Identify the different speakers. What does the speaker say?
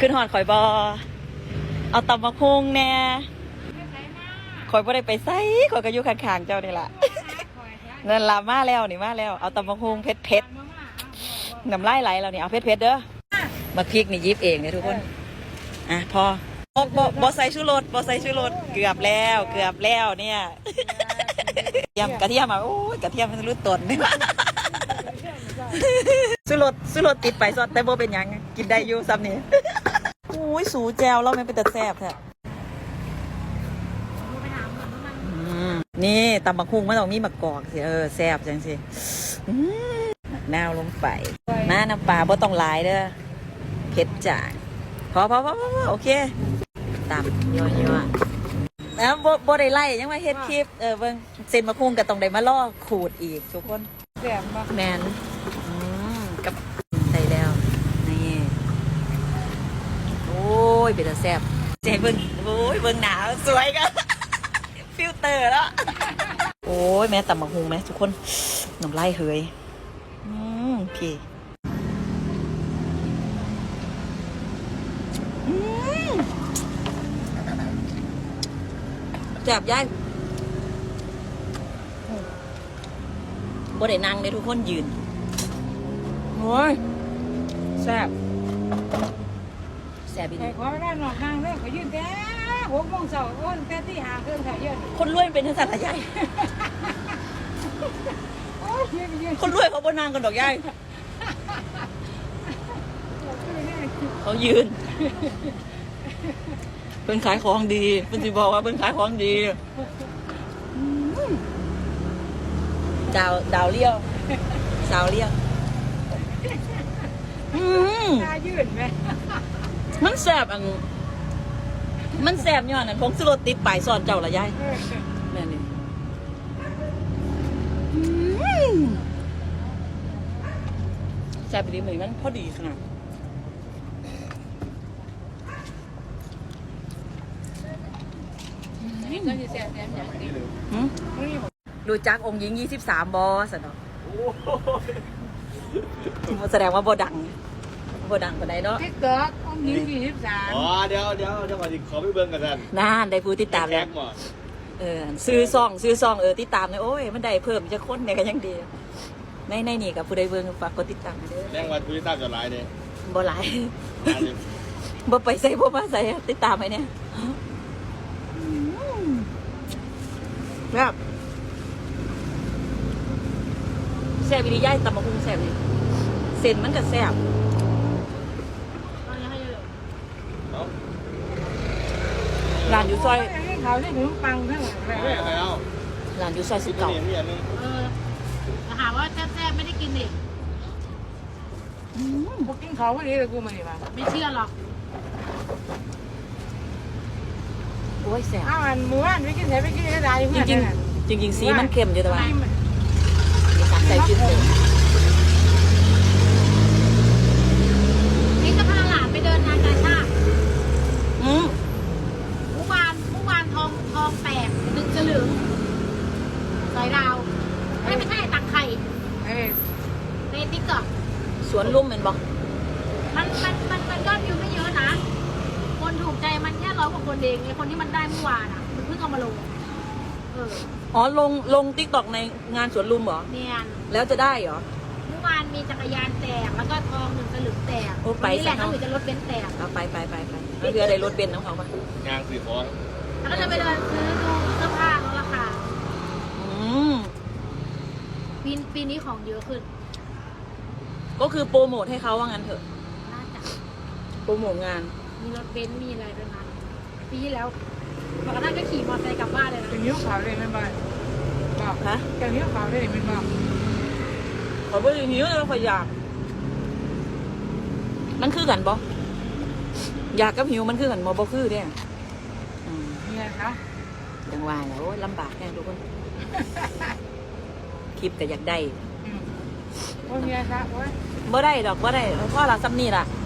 Speaker 1: ขึ้นหอดข่อยบอเอาตำมะพุงแน่ข่อยบ่ได้ไปไสข่อยก็อยู่ข้างๆเจ้านี่ล่ะเงินลามาแล้วนี่มาแล้วเอาตำมะพุงเผ็ดน้ำลายไหลแล้วนี่เอาเผ็ดเด้อมาพริกนี่ยิบเองเนี่ยทุกคนอ่ะพอบอใส่ชูรสบอใส่ชูรสเกือบแล้วเนี่ยกระเทียมอ่ะโอ้ยกระเทียมมันรู้ตนนี่ชูรสติดไปซอสแต่โบเป็นยังกินได้อยู่ซ้ำนี่โอ้ยสูแจวเราไม่เป็นแต่แซ่บแท้นี่ตำบักหุ่งมันต้องมีมะกอกสิแซ่บจังสินาวลงไปน้ำปลาบ่ต้องหลายเด้อเผ็ดจางพอโอเคตำยัวแล้วบ่ได้ไล่ยังมาเฮ็ดคลิปเบิ่งเส้นมะพุงก็ต้องได้มาล่อขูดอีกทุกคน
Speaker 2: แซ่บมาก
Speaker 1: แมนกับใส่แล้วนี่โอ้ยเป็นตาแซ่บใจเบิ่งโอ้ยเบิ่งหนาวสวยกันฟิลเตอร์แล้วโอ้ยแม่ตำบักหุ่งไหมทุกคนน้ำลายเหยพี่จับย่ายบ่ได้นั่งเลยทุกคนยืนโอ้ยแซ่บอีก
Speaker 2: ขอไม่ได้นอนนั่งเลยขอยืนแต่6 โมงเช้าคนแต่ที่หาเครื่องถ่ายเยอะ
Speaker 1: คนรวยเป็นทัศนใหญ่คนรวยเขาบ่นั่งกันดอกย่ายเขายืนเพิ่นขายของดีเพิ่นสิบอกว่าเพิ่นขายของดีดาวเลี้ยวสาวเลี้ยว
Speaker 2: ตายืนไหม
Speaker 1: มันแซ่บมันแซ่บย้อนผงชูรสติดปลายซอนเจ้าละยายแม่นี่แซ่บดีเหมือนมันพอดีขนาด
Speaker 2: ก็จะแซ่บอย่างนี้
Speaker 1: ดูจักองค์หญิง23บอสเนาะแสดงว่าบ่ดังคนใดเนาะ
Speaker 2: ติ๊กต๊อกองค์หญิง23
Speaker 3: อ๋อเดี๋ยวก่อนขอไปเบิ่งกันท่าน
Speaker 1: น่าได้ผู้ติดตามแล้วซื้อซองติดตามเลยโอ้ยมันได้เพิ่มจะค้นเนี่ยก็ยังดีในนี่กับผู้ใดเบิ่งฝากกดติดตามเด้อ
Speaker 3: แรงวันผู้ติดตามจะหลายเด้
Speaker 1: บ่หลายบ่ไปใส่บ่มาใส่ติดตามไปเนี่ยแบบแซ่บวิริย่ายตำมะพุงแซ่บเลยเส้นมันก็แซ่บร้านอยู่ซอย
Speaker 2: เขาได้ถึงปังทั้งหมดเลย
Speaker 1: ร้านอยู่ซอย19
Speaker 2: หาว่าแซ่บไม่ได้กินดิพวกกินเขาวันนี้เลยกูมาดิบ้าไม่เชื่อหรอก
Speaker 1: โอ้ยแซ่บ
Speaker 2: อันหมูอันไม่กินไม่กินได้เพื่อน
Speaker 1: จริงสีมันเค็มอยู่แต่ว่าใส่ชิ้นเต็ม
Speaker 2: นี่จะพาหลานไปเดินงานกาชาติเมื่อวานทองแตก1 สลึงสอยดาวไม่ใช่ตักไข่ในติ๊กต็อก
Speaker 1: สวนลุ่มเป็นบอก
Speaker 2: มันยอดวิวไม่เยอะนะคนถูกใจมันแค่100 กว่าคนเองไอ้คนที่มันได้เมื่อวานอ่ะมันเพิ่งเอามาลง
Speaker 1: อ๋อลงติ๊กต็อกในงานสวนลุมเหรอ
Speaker 2: เนี่ย
Speaker 1: แล้วจะได้เหรอ
Speaker 2: เมื่อวานมีจักรยานแตกแล้วก็ทอง1 สลึงแตกนี่แหละเขาจะรถเบนซ์แตก
Speaker 1: เอาไปแล้วเรือได้รถเบนซ์ของเขาปะ
Speaker 3: งานสื่อของ
Speaker 2: แล้วก็จะไปเดินซื้อดูเสื้อผ้าลดราคาปีนี้ของเยอะขึ้น
Speaker 1: ก็คือโปรโมทให้เขาว่างั้นเถอะ
Speaker 2: น่าจะ
Speaker 1: โปรโมทงาน
Speaker 2: มีรถเบนซ์มีอะไรด้วยนะปีที่แล้วปกติก็ขี่มอเตอร์ไซค์กลับบ้านเลยนะจะนิ้วขาวเลยไม่บ้านบอก
Speaker 1: ฮะ
Speaker 2: จะนิ้วขาวเลยไม่บอก
Speaker 1: ขอเบอร์นิ้วแล้วขออยากมันคือกันบ่อยากกับหิวมันคือกันบ่คือเนี่ย
Speaker 2: นี่ไงคะ
Speaker 1: ยังว่าแล้วลำบากแน่ทุกคนคลิปก็อยากได้
Speaker 2: โอ้ยนี่ไงคะโอ้ย
Speaker 1: บ่ได้ดอกบ่ได้เพราะเราซ้ำนี่ล่ะ